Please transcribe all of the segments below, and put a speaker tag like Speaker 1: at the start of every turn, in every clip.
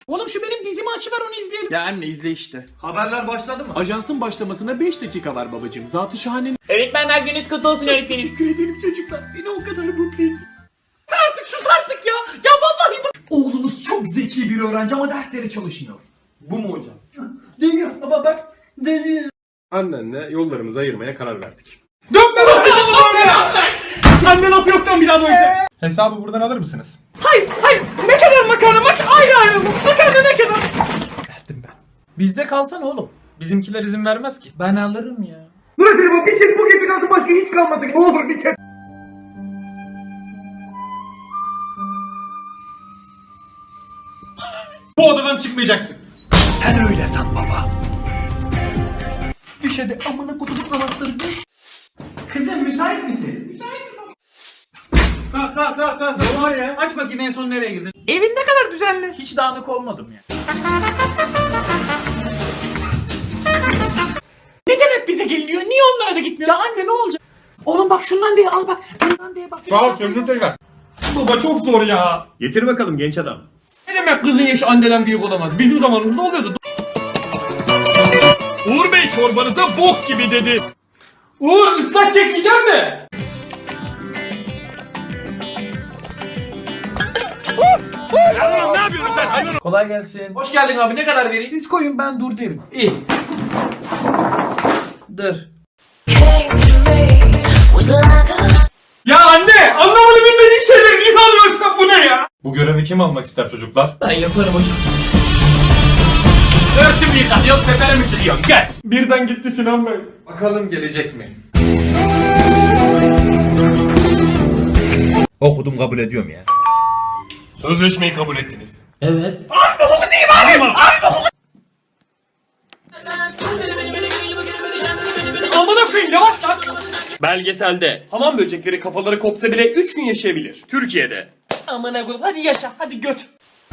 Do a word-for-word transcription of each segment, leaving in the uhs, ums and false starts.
Speaker 1: Oğlum şu benim dizimi açıver onu izleyelim.
Speaker 2: Ya anne izle işte.
Speaker 1: Haberler başladı mı?
Speaker 3: Ajansın başlamasına beş dakika var babacığım. Zat-ı şahanenin...
Speaker 1: Öğretmenler gününüz kutlu olsun öğretmenim.
Speaker 3: Teşekkür ederim çocuklar. Beni o kadar mutlu ettin.
Speaker 1: Artık sus artık ya. Ya vallahi bu... Oğlunuz çok zeki bir öğrenci ama derslere çalışmıyor.
Speaker 3: Bu mu hocam?
Speaker 1: Değil ama bak. Değil.
Speaker 3: Annenle yollarımızı ayırmaya karar verdik.
Speaker 1: Dönme lan beni. Anne laf yoktan bir daha böyle.
Speaker 3: Hesabı buradan alır mısınız?
Speaker 1: Hayır hayır. Ne kadar makarna mak ayrı ayrı mı? Makarna ne kadar?
Speaker 3: Verdim ben.
Speaker 1: Bizde kalsana oğlum.
Speaker 3: Bizimkiler izin vermez ki.
Speaker 1: Ben alırım ya.
Speaker 4: Murat bu bir kez bu gece kalsın başka hiç kalmadı. Ne olur bir kez.
Speaker 3: Bu odadan çıkmayacaksın.
Speaker 1: Düş hadi amına kutup anahtarı düş. Kızım müsait misin? Müsaitim baba. Kalk kalk kalk kalk. Ne var ya? Aç bakayım en son nereye girdin? Evin ne kadar düzenli. Hiç dağınık olmadım ya. Neden hep bize geliniyor? Niye onlara da gitmiyor? Ya anne ne olacak? Oğlum bak şundan diye al bak. Bundan diye bak.
Speaker 3: Sağ ol söndür tekrar. Baba çok zor ya.
Speaker 2: Getir bakalım genç adam.
Speaker 1: Ne demek kızın yaşı anneden büyük olamaz? Bizim zamanımızda oluyordu.
Speaker 2: Uğur Bey çorbanıza bok gibi dedi.
Speaker 1: Uğur ıslak çekeceğim mi?
Speaker 2: Ne yapıyorsun sen hayvan?
Speaker 1: Kolay gelsin. Hoş geldin abi. Ne kadar vereyim? Siz koyun ben dur derim. İyi. Dur.
Speaker 2: Ya anne anlamadı bilmediğin şeyleri niye alıyorsun bu ne ya?
Speaker 3: Bu görevi kim almak ister çocuklar?
Speaker 1: Ben yaparım hocam.
Speaker 2: Örtümü yıkat yok tepere mi çıkıyorsun geç.
Speaker 3: Birden gitti Sinan Bey. Bakalım gelecek mi?
Speaker 5: Okudum kabul ediyorum ya.
Speaker 2: Sözleşmeyi kabul ettiniz.
Speaker 1: Evet.
Speaker 2: Amına koyayım yavaş lan. Belgeselde hamam böcekleri kafaları kopsa bile üç gün yaşayabilir. Türkiye'de.
Speaker 1: Amına koyayım. Hadi yaşa. Hadi göt.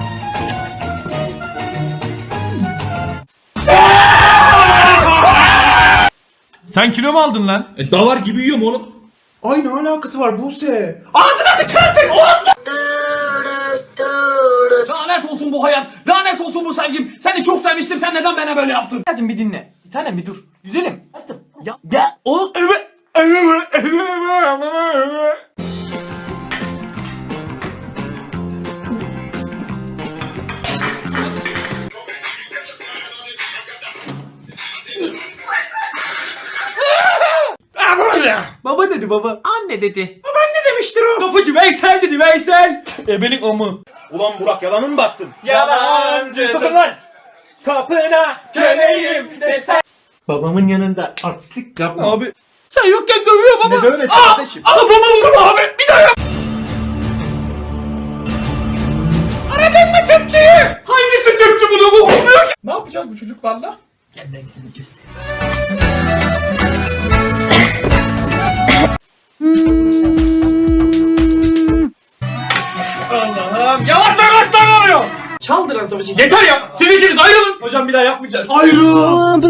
Speaker 2: Sen kilo mu aldın lan?
Speaker 5: E, davar gibi yiyorum oğlum.
Speaker 3: Ay ne alakası var Buse?
Speaker 1: Lanet olsun bu hayat. Lanet olsun bu sevgim. Seni çok sevmiştim. Sen neden bana böyle yaptın? Hadi bir dinle. Bir tanem bir dur. Güzelim. Hadi. Ya. Ya. O. Evet.
Speaker 2: Baba dedi baba.
Speaker 1: Anne dedi.
Speaker 2: Ne demiştir o? Kapıcı Veysel dedi Veysel. Ebelik amı.
Speaker 5: Ulan Burak yalanın mı batsın?
Speaker 2: Yalancı.
Speaker 5: Sakın lan! Kapına köleyim desen.
Speaker 2: Babamın yanında artistlik yapma. Abi. Sen yokken dövüyor baba.
Speaker 5: Ne dövmesi kardeşim?
Speaker 2: Kafama vurma abi. Bir daha yap. Aradın mı tüpçüyü? Hangisi tüpçü bunu bu olmuyor ki?
Speaker 3: Ne yapacağız bu çocuklarla?
Speaker 1: Gel ben seni kestim.
Speaker 2: Allah'ım yavaş yavaş davranıyor.
Speaker 1: Çaldıran savaşı.
Speaker 2: Yeter ya. Siz ikiniz ayrılın.
Speaker 5: Hocam bir daha yapmayacağız.
Speaker 2: Ayrılın.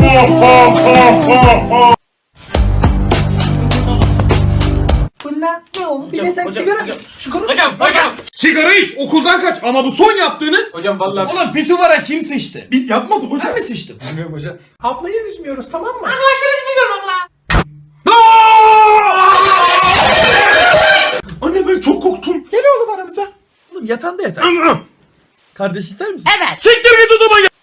Speaker 1: Bunlar ne oldu? Bir de sen sigara. Sigara.
Speaker 2: Hocam hocam. Sigara iç okuldan kaç ama bu son yaptığınız.
Speaker 3: Hocam vallahi
Speaker 2: Ulan pisuvara kim sıçtı?
Speaker 3: biz yapmadık hocam.
Speaker 2: Ben mi sıçtım?
Speaker 3: Bilmiyorum hocam. Ablayı üzmüyoruz tamam mı?
Speaker 2: Anne ben çok korktum.
Speaker 3: Gel oğlum aramıza.
Speaker 1: Oğlum yatağında yatar. Kardeş ister misin? Evet.
Speaker 2: Siktir git o zaman ya.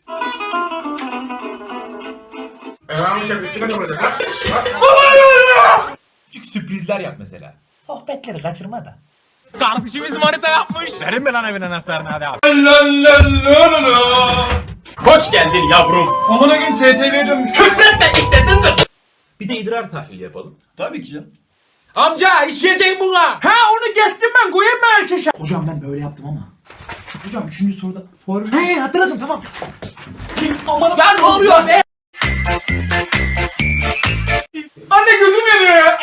Speaker 5: Küçük sürprizler yap mesela.
Speaker 1: Sohbetleri kaçırma da.
Speaker 2: Kardeşimiz manita yapmış.
Speaker 5: Verin mi lan evin anahtarını hadi abi.
Speaker 2: Hoş geldin yavrum.
Speaker 3: Amına gün S T V'ye dönmüş.
Speaker 2: Küfretme istesindir.
Speaker 5: Bir de idrar tahlili yapalım.
Speaker 2: Tabii ki canım. Amca işleyeceğim buna. Ha onu geçtim ben koyayım mı erkeşe?
Speaker 1: Hocam ben böyle yaptım ama. Hocam üçüncü soruda form... He hatırladım tamam. Aman ben ne oluyor be?
Speaker 2: Anne gözüm yanıyor ya.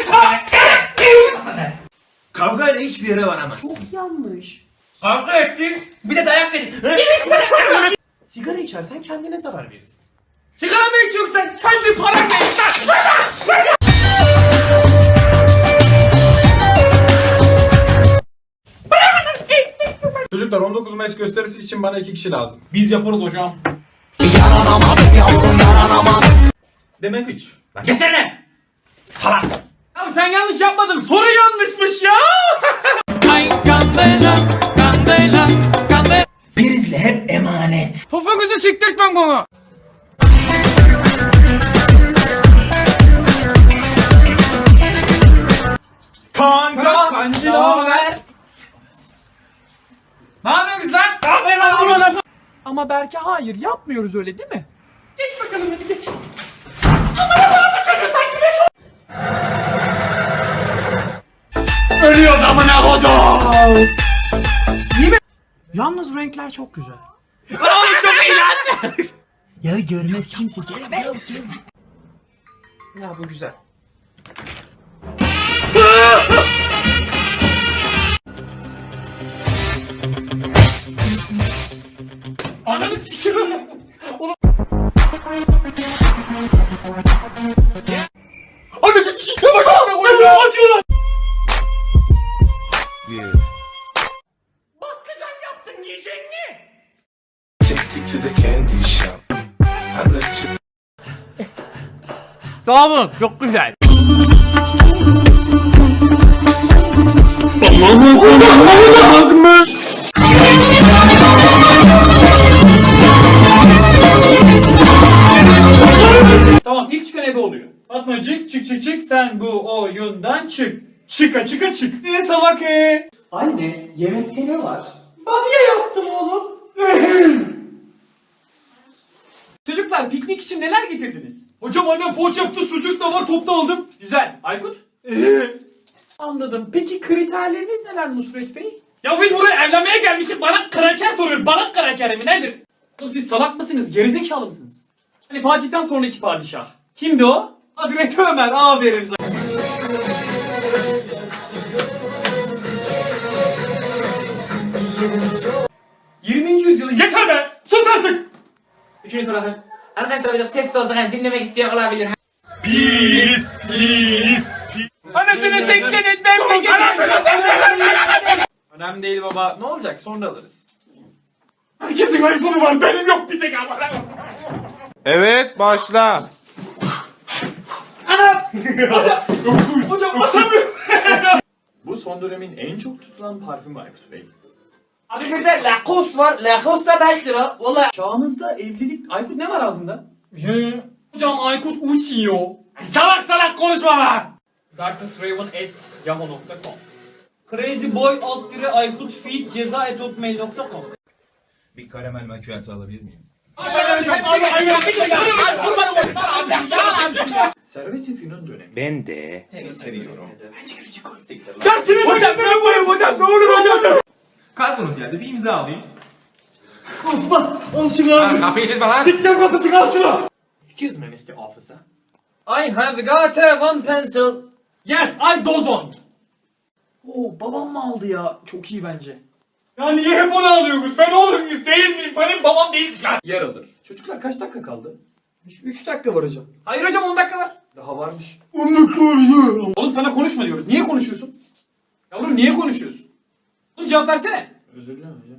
Speaker 5: Kavgayla hiçbir yere varamazsın.
Speaker 1: Çok yanlış.
Speaker 2: Kavga ettin.
Speaker 5: Bir de dayak verin.
Speaker 1: Sigara içersen kendine zarar verirsin.
Speaker 2: Sigara mı içiyorsun sen? Kendi paranla iç lan.
Speaker 3: Çocuklar on dokuz Mayıs gösterisi için bana iki kişi lazım.
Speaker 1: Biz yaparız hocam. Demek üç. Lan geçene! Salak! Abi sen yanlış yapmadın. Soru yanlışmış ya! Ay kandela, kandela, kandela. Prizle hep emanet. Topuğunuzu siktirtmem bana.
Speaker 3: Kanka!
Speaker 1: Kancı ne haber? Ne yapıyorsunuz lan? Ne yapıyorsun lan? Ama Berke hayır yapmıyoruz öyle değil mi? Geç bakalım hadi geç. Ölüyoruz amına kodum. İyi mi? Yalnız renkler çok güzel. Oğlum çok iyi lan. Ya görmez kimse. Gel be. Ya bu güzel. Ananı sikiyorum. Ananı sikiyorum. Bak abi oyunu acıyor lan. Bakkacan yaptın yiyecek mi?
Speaker 6: Take you to the candy shop. I let you.
Speaker 1: Sağ olun çok güzel. Tamam ilk çıkan ebe oluyor. Fatmacık çık çık çık sen bu oyundan çık. Çıka çıka çık. Ne salak e? Anne yemekte ne var? Bamya yaptım oğlum. Çocuklar piknik için neler getirdiniz?
Speaker 3: Hocam annem poğaça yaptı, sucuk da var, topta aldım.
Speaker 1: Güzel. Aykut? Anladım. Peki kriterleriniz neler Nusret Bey? Ya biz buraya evlenmeye gelmişiz. Bana kraker soruyor. Bana kraker mi nedir? Oğlum siz salak mısınız? Gerizekalı mısınız? Hani Fatih'ten sonraki padişah. Kimdi o? Hazreti Ömer. Aferin sana. yirminci yüzyılın yeter be! Sus artık! Üçüncü soru arkadaşlar. Arkadaşlar biraz sessiz olsak hani dinlemek isteyen olabilir.
Speaker 3: Biz, biz.
Speaker 1: Anasını tekleniz ben önemli değil baba. Ne olacak? Sonra alırız.
Speaker 3: Herkesin iPhone'u var, benim yok bir tek ama.
Speaker 5: Evet başla.
Speaker 1: Hocam atamıyorum.
Speaker 2: Bu son dönemin en çok tutulan parfümü Aykut Bey.
Speaker 7: Abi bir de Lacoste var. Lacoste da beş lira. Valla.
Speaker 1: Çağımızda evlilik... Aykut ne var ağzında? Hocam Aykut uçuyor. Salak salak konuşma lan. darknessraven at yahoo nokta com Crazyboy alt dire Aykut feed ceza et hotmail nokta com
Speaker 6: Bir karamel macchiato alabilir miyim?
Speaker 2: Servet-i Fünun dönemi.
Speaker 5: Ben de.
Speaker 6: Seni seviyorum.
Speaker 3: Dersini hocam ne yapayım hocam, ne olur hocam.
Speaker 5: Kargonuz geldi, bir imza alayım.
Speaker 3: Al şunu abi.
Speaker 5: Kapıyı çizme lan.
Speaker 3: Dikler kapısı kal şunu.
Speaker 2: Excuse me mister Officer.
Speaker 1: I have got a one pencil. Yes, I dozon.
Speaker 7: Oo babam mı aldı ya? Çok iyi bence.
Speaker 3: Ya niye hep onu alıyorsunuz? Ben oğlum muyuz değil miyim? Benim babam değiliz lan.
Speaker 2: Yer alır. Çocuklar kaç dakika kaldı?
Speaker 1: üç dakika var hocam. Hayır hocam on dakika var.
Speaker 2: Daha varmış.
Speaker 1: Oğlum sana konuşma diyoruz. Niye konuşuyorsun? Yavrum niye konuşuyorsun? Oğlum cevap versene.
Speaker 2: Özür dilerim hocam.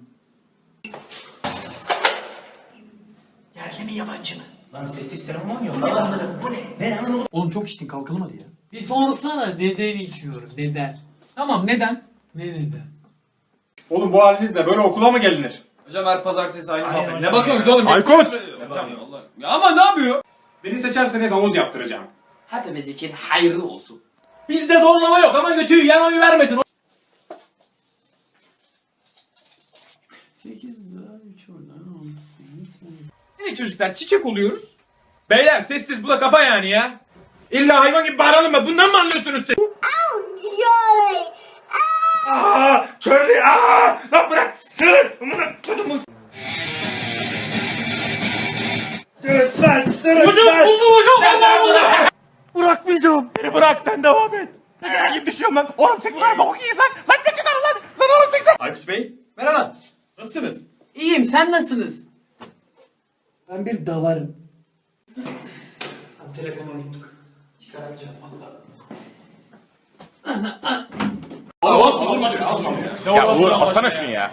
Speaker 7: Yerli mi yabancı mı? Lan sessiz seremon yok. Bu ne anladım? Bu ne? Ne anladım?
Speaker 1: Oğlum çok içtin kalkalım hadi ya.
Speaker 7: Bir sorsana neden içiyorum? Neden?
Speaker 1: Tamam neden?
Speaker 7: Ne neden?
Speaker 3: Oğlum bu halinizle böyle okula mı gelinir?
Speaker 1: Hocam her pazartesi aynı
Speaker 7: Aynen
Speaker 1: muhabbet.
Speaker 7: hocam
Speaker 1: Ne bakıyorsunuz
Speaker 7: ya.
Speaker 1: oğlum?
Speaker 3: Aykut!
Speaker 1: Hocam Allah. Ya ama ne yapıyor?
Speaker 3: Beni seçerseniz havuz yaptıracağım.
Speaker 7: Hepimiz için hayırlı olsun.
Speaker 1: Bizde zorlama yok ama götüyü yan oyu vermesin. sekiz daha üç oradan Evet çocuklar çiçek oluyoruz.
Speaker 5: Beyler sessiz, bu da kafa yani ya. İlla hayvan gibi bağıralım mı? Bundan mı anlıyorsunuz siz?
Speaker 8: Surely.
Speaker 5: Aaa! Körlü! Aaa! Lan bırak! Sığır! Amına kodumun! Dırıt lan! Dırıt
Speaker 1: Hocam
Speaker 5: lan!
Speaker 1: buldum hocam. Allah Allah.
Speaker 5: Bırakmayacağım! Beni bırak, sen devam et! Ne gibi düşüyorum lan? Oğlum çek lan! Bok yiyeyim lan! Lan çek lan lan! Lan oğlum çek sen!
Speaker 2: Aykut Bey
Speaker 1: Merhaba.
Speaker 2: nasılsınız?
Speaker 1: İyiyim sen nasılsınız?
Speaker 7: Ben bir davarım.
Speaker 1: Telefonu unuttuk. Çıkaramayacağım valla.
Speaker 5: Ya Uğur alsana şunu ya.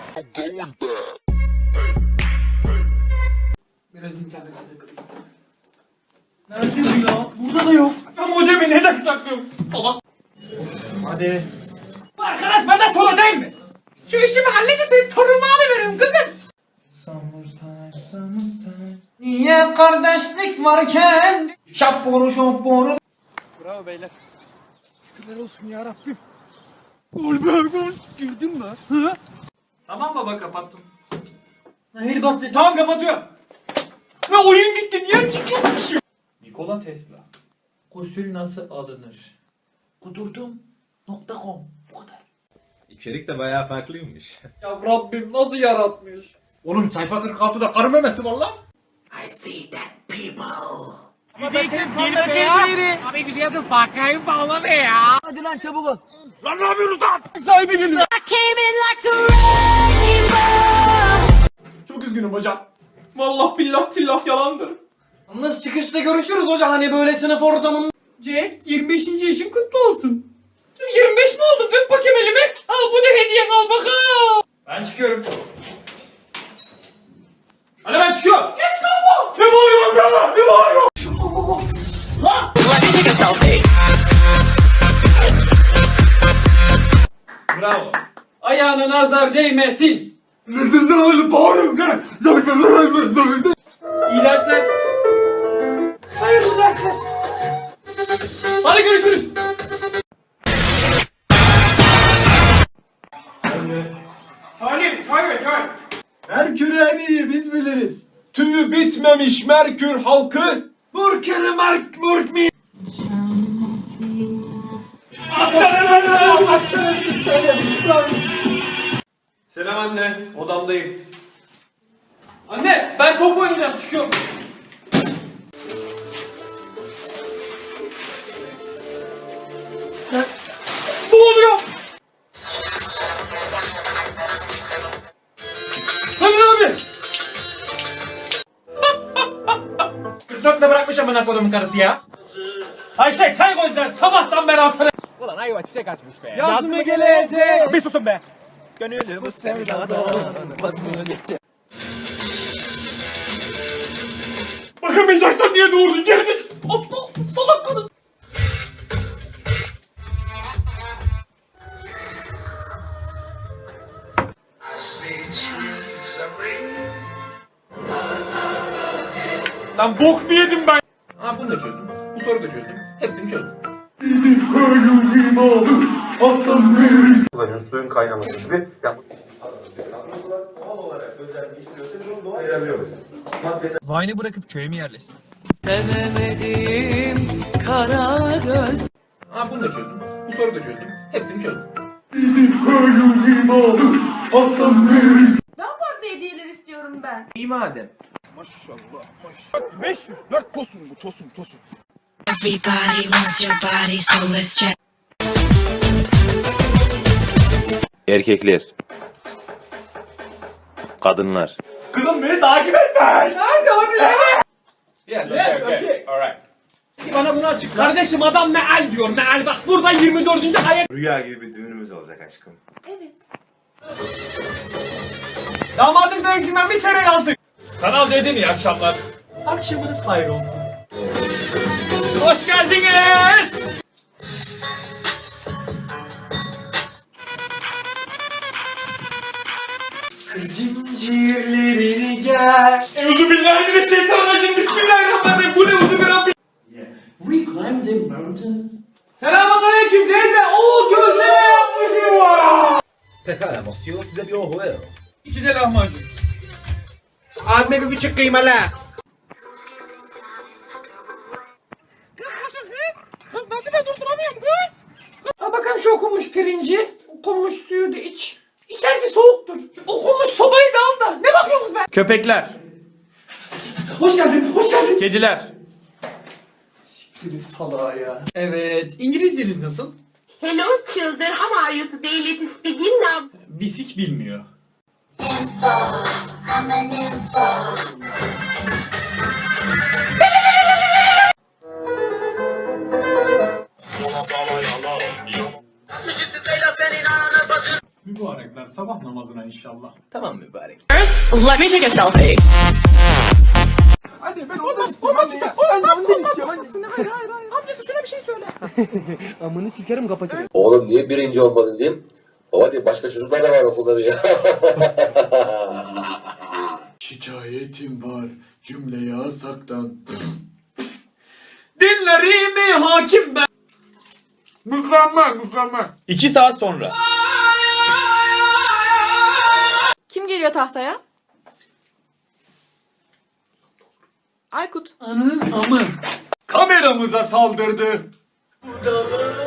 Speaker 1: Biraz internete takılayım. Nerede bu ya? Burada da yok.
Speaker 3: Ya modemi neden saklıyorsun? Salak.
Speaker 1: Hadi. Arkadaş benden sonra değil mi? Şu işimi halledin senin torunumu alıveririm kızım. Summertime, summertime. Niye kardeşlik varken? Şapboru şapboru.
Speaker 2: Bravo beyler.
Speaker 1: Tamam baba kapattım. Hayır bas be. Tamam kapatıyorum.
Speaker 3: Ne oyun gitti niye çıkıyormuş?
Speaker 2: Nikola Tesla.
Speaker 1: Gusül nasıl alınır? Kudurdum nokta com. Bu kadar.
Speaker 9: İçerik de bayağı farklıymış.
Speaker 3: Ya Rabbim nasıl yaratmış?
Speaker 4: Oğlum sayfa kırk altıda karı memesi var lan.
Speaker 1: I see that people.
Speaker 3: Çok üzgünüm hocam. Vallahi billah tillah yalandır.
Speaker 1: Nasıl çıkışta görüşürüz hocam hani böyle sınıf ortamında.
Speaker 2: Jack yirmi beşinci yaşın kutlu olsun. yirmi beş mi oldun? Öp bakayım elimi. Al bu da hediyen al bakalım.
Speaker 1: Ben çıkıyorum. Hadi ben çıkıyorum.
Speaker 2: Geç kalma.
Speaker 3: Ne bağırıyorsun be? Ne bağırıyorsun?
Speaker 1: Bravo. Ayağına nazar değmesin. İyi dersler. Hayırlı dersler. Hadi görüşürüz.
Speaker 3: Salim, çay ver çay.
Speaker 4: Merkür en iyi biz biliriz.
Speaker 3: Tüyü bitmemiş Merkür halkı.
Speaker 4: Murkeri Mark Murk mi?
Speaker 1: Selam anne. Odamdayım. Anne ben top oynayacağım çıkıyorum.
Speaker 3: Ne oluyor?
Speaker 1: Hadi abi.
Speaker 4: kırk dörtte bırakmış amına kodumun karısı ya.
Speaker 1: Ayşe çay koy sen sabahtan beri atana.
Speaker 4: Yaz mı gelecek?
Speaker 5: Bir susun be.
Speaker 3: Bakamayacaksan niye doğurdun gerizekalı? Aptal salak kadın. Lan bok mu yedim ben?
Speaker 4: Ha bunu da çözdüm. Bu soruyu da çözdüm. Hepsini çözdüm.
Speaker 10: kullanıyoruz suyun kaynaması gibi. Yani doğal olarak özelleştiriyorsa biz onu doğal ayırabiliyoruz. Maddesel
Speaker 2: Vine'ı bırakıp köye mi yerleşsin?
Speaker 4: Ha bunu da çözdüm. Bu soruyu da çözdüm. Hepsini çözdüm.
Speaker 8: Daha farklı hediyeler istiyorum ben.
Speaker 4: İyi madem.
Speaker 5: beş yüz dört tosun bu tosun tosun.
Speaker 11: Everybody wants your body, so let's check.
Speaker 9: Erkekler. Kadınlar.
Speaker 3: Kızım beni takip etme. Nerede hani?
Speaker 1: Yes,
Speaker 3: Yes, okay.
Speaker 1: Alright.
Speaker 4: Bana bunu açıkla.
Speaker 1: Kardeşim adam meal diyor meal bak burada yirmi dördüncü ayet.
Speaker 9: Rüya gibi bir düğünümüz olacak aşkım.
Speaker 8: Evet.
Speaker 1: Damadın dönüşünden bir çeyrek aldık.
Speaker 2: Kanal D'de iyi akşamlar.
Speaker 1: Akşamınız hayır olsun. Hoş geldiniz. Zincirlerini gel.
Speaker 3: Euzubillahimineşşeytanirracim. Bismillahirrahmanirrahim. Bu ne uzubillahirrahmanirrahim.
Speaker 1: We climbed a mountain. Selamünaleyküm teyze. Oo gözleme yapmışım var.
Speaker 10: Pekala Monsieur, size bir ohu verin.
Speaker 1: İki de lahmacun.
Speaker 4: Abime bir buçuk kıymalı.
Speaker 5: Kız nasıl ben durduramıyorum kız?
Speaker 1: Al bakalım şu okunmuş pirinci. Okunmuş suyu da iç. İçerisi soğuktur. Okunmuş sobayı da al da. Ne bakıyorsunuz be? Köpekler. Hoş geldin, hoş geldin. Kediler. Siktir salağa ya. Evet. İngilizceniz nasıl?
Speaker 8: Hello children, how are you today? Let's begin now.
Speaker 1: Bisik bilmiyor.
Speaker 11: Senin
Speaker 4: sabah namazına inşallah.
Speaker 9: Tamam mübarek.
Speaker 2: Let me take a selfie.
Speaker 4: Hadi ben ondan istiyorum anne ya. Ben de ondan istiyorum anne. Hayır hayır hayır. Amcası şuna bir şey söyle.
Speaker 1: Amını sikerim kapatırım.
Speaker 10: Oğlum niye birinci olmadın diyeyim. Baba diye başka çocuklar da var okulda diye.
Speaker 3: Şikayetim var cümle yasaktan.
Speaker 2: Dinlerimi hakim ben.
Speaker 3: Mükemmel mükemmel.
Speaker 2: İki saat sonra.
Speaker 8: Kim geliyor tahtaya? Aykut.
Speaker 2: Kameramıza saldırdı.